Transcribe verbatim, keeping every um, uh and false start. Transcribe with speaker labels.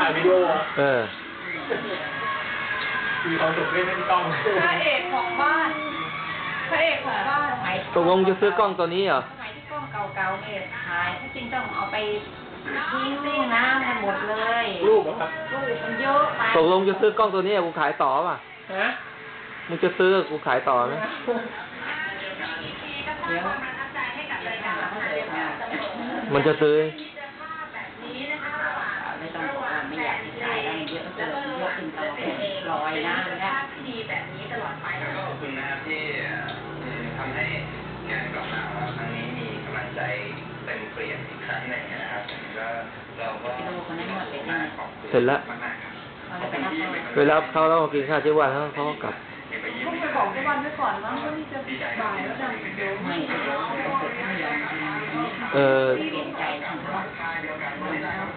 Speaker 1: ายวิดีโอ
Speaker 2: เออ
Speaker 1: มีความสุขด้วยไม่มีกล้อง
Speaker 3: พระเอกของบ้านพระเอกของบ้านสมัย
Speaker 2: ตกลงจะซื้อกล้องตัวนี้เหรอ
Speaker 3: สมัยที่กล้องเก่าๆเนี่ยขายถ้าจริงต้องเอาไปทิ้งซิ่งน้ำกันหมดเลย
Speaker 1: รูปเหรอครับ
Speaker 3: รูปมันเยอะไป
Speaker 2: ตกลงจะซื้อกล้องตัวนี้กูขายต่อป่ะ
Speaker 1: ฮะ
Speaker 2: มึงจะซื้อกูขายต่อไหม
Speaker 3: เดี๋ยว
Speaker 2: มันจะซื้อ
Speaker 3: ไม่ต้องบอกว่าไม่อยากจะจ่ายแล้วเยอะเกินเยอะขึ้นตลอดลอยนะนะดีแบบนี้ตลอดไป
Speaker 4: แล้วก็ขอบคุณนะครับที่ทำให้งานกลับมาว่าครั้งนี้มีกำลังใจเต็มเปลี่ยนอีกครั้งหนึ่งนะครับก็เราก็
Speaker 2: เสร็จแล้วไปรับเขาแล้วมากินข้าวเจ้าวันแล้วเขาก็กลับ
Speaker 3: ต้องไปบอกเจ้าวันไว้ก่อนมั้งว่านี่จะบ่ายแล้วนะเดี๋ยวไม่เดี๋ยวต้องเกิดไม่ยอมเออเปลี่ยนใจทางเขา